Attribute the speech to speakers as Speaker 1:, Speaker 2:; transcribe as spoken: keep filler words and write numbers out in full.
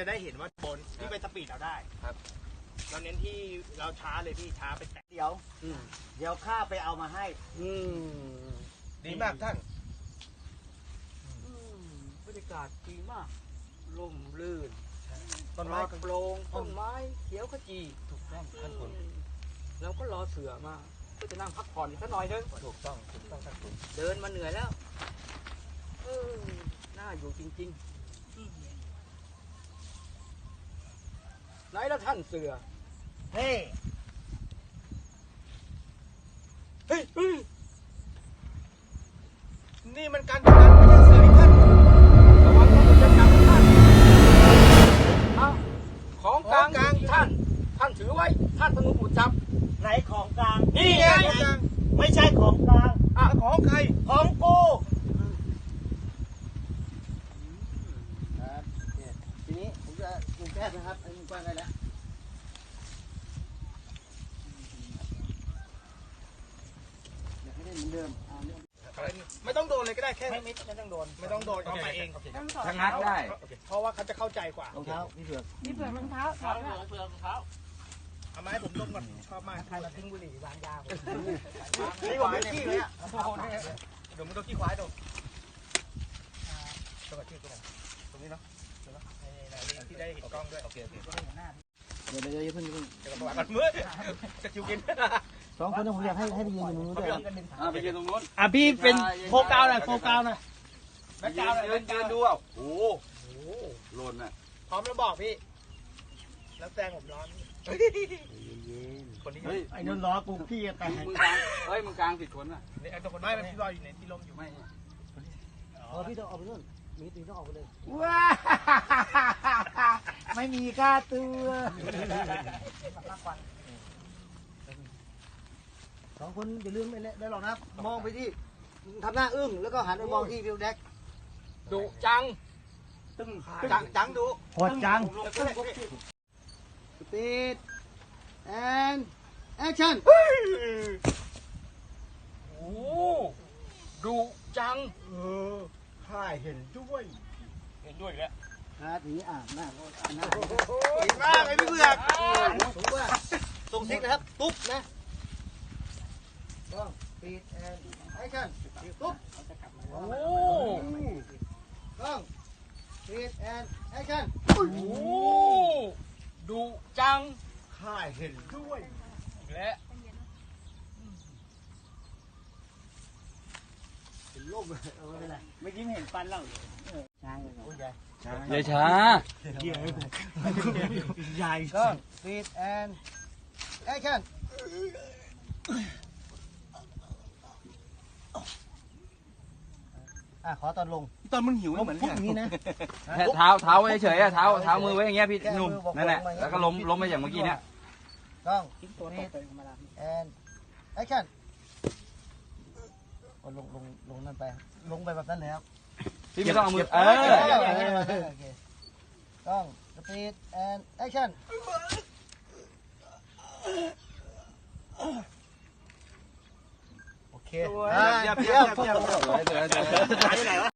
Speaker 1: จะได้เห็นว่าบนที่ไปสปีดเราได้ครับเราเน้นที่เราช้าเลยพี่ช้าไปแต่เดี๋ยวเดี๋ยวข้าไปเอามาให้ดีมากท่าน
Speaker 2: บรรยากาศดีมากร่มรื่น
Speaker 1: ต้นไม้
Speaker 2: โปร่งต้นไม้เขียวขจี
Speaker 1: ถูกต้องท่านคุณ
Speaker 2: แล้วก็รอเสือมาก็จะนั่งพักผ่อนสักหน่อยนึง
Speaker 1: ถูกต้องถูกต้องท่านคุณ
Speaker 2: เดินมาเหนื่อยแล้วเออน่าอยู่จริงๆไหนแล้วท่านเสือ
Speaker 1: เฮ้เฮ้ยนี่มันการทำงานไม่ใช่เสือที่ท่าน
Speaker 2: ระวังต้องจะจับท่านเอาของกลางท่านท่านถือไว้ท่านต้องถูกจับ
Speaker 1: ไหนของกลาง
Speaker 2: นี่ไง
Speaker 1: ไม่ใช่ของกลาง
Speaker 2: อ่ะ
Speaker 1: ของใครของกู
Speaker 3: ครับทีนี้ผมจะปรุงแก้นะครับไอ้มึงกว้างได้แล้วอยากให้ได้เหมือนเดิม
Speaker 1: ไม่ต้องโดนเลยก็ได้แค่ไม่ไม่ต้องโดนไม่ต้องโดนเขาไปเอง
Speaker 2: ชะงักได้
Speaker 1: เพราะว่าเขาจะเข้าใจกว่าร
Speaker 3: องเท้าพี่เผือก
Speaker 4: พี่เผือกรองเท้า
Speaker 2: เผือกเผือกรองเท้า
Speaker 1: เอาไม้ให้ผมดมก่อนชอบมากใครมาทิ้งบุหรี่วางยานี่ผมไม่ขี้เลยอ่ะเดี๋ยวมึงต้องขี้ควายดมตรงกับที่ตรงตรงนี้เนาะที่ได้เห็นกล้องด้วยโอเคโอเค
Speaker 3: เดี๋ยวเดี๋ยวอย่าเพิ่ง
Speaker 1: เดี๋ยวก่อนมือจะคิวกิน
Speaker 3: สองคนนั้นผมอยากให้ให้ไปยืนตรงนู้นด้วย
Speaker 2: อ่าไปยืนตรงนู้น
Speaker 1: อ่ะพี่เป็นโฟกัสหน่อยโฟกัสหน่อย
Speaker 2: แบ็คกราวด์ยืนยืนดูอ่ะโอ้โหโลนอ่ะ
Speaker 1: พร้อมแล้วบอกพี่แล้วแซงผมร้อนคนนี้
Speaker 3: ไอ้นนล้อกูพี่แต่
Speaker 2: มึงกลางเฮ้ยมึงกลางผิดคนอ่ะ
Speaker 1: ไอ้ตัวคนไม่มันพี่ลอยอยู่ในที่ลมอยู่ไม่
Speaker 3: เออพี่ต้องออกไปนู่นมีตีต้องออกไปเลย
Speaker 1: ว้าไม่มีค่าตัว
Speaker 3: สองคนอย่าลืมไม่ได้หรอกนะมองไปที่ทำหน้าอึ้งแล้วก็หันไปมองที่วิวแดก
Speaker 2: ดุจัง
Speaker 1: ตึ้งจังจังดุ
Speaker 3: โหดจังสปีดแอนแอคชั่น
Speaker 2: โอ้ดุจัง
Speaker 1: เออข้าเห็นด้วย
Speaker 2: เห็นด้วยแล้ว
Speaker 3: นะทีนี้อ่านหน้าอ่านหน้า
Speaker 1: ดีมากไอ้พี่เบือก
Speaker 3: ถูกว่าส่งซิกนะครับตุ๊บนะต้องปีดแอนแอคชั่นตุ๊บ
Speaker 2: โอ้
Speaker 3: ต้องปีดแอนแอคชั่น
Speaker 2: โอ้ดุจัง
Speaker 1: ข้าเห็นด้วย
Speaker 2: และ
Speaker 3: เป็นลมเลยเอออะไร
Speaker 1: ไม่ยิ้มเห็นฟันเรา
Speaker 3: ช้างเลย
Speaker 2: ช้าใหญ่ช้า
Speaker 1: ใหญ่
Speaker 3: ก็ปีดแอนแอคชั่นอ่ะขอตอนลง
Speaker 1: ตอนมึงหิวเหมือน
Speaker 3: พวกนี้นะ
Speaker 2: เท้าเท้าไว้เฉยๆเท้าเท้ามือไว้อย่างเงี้ยพี่หนุ่มนั่นแหละแล้วก็ล้มล้มไปอย่างเมื่อกี้เนี้ย
Speaker 3: ต้องปีดแอนแอคชั่นลงลงลงนั่นไปลงไปแบบนั้นแล้ว
Speaker 2: พี่ไม่ต้องเอามือเออ
Speaker 3: ต้องสปีดแอนแอคชั่นโอเค
Speaker 1: เยี่ยมเยี่ยมเยี่ยม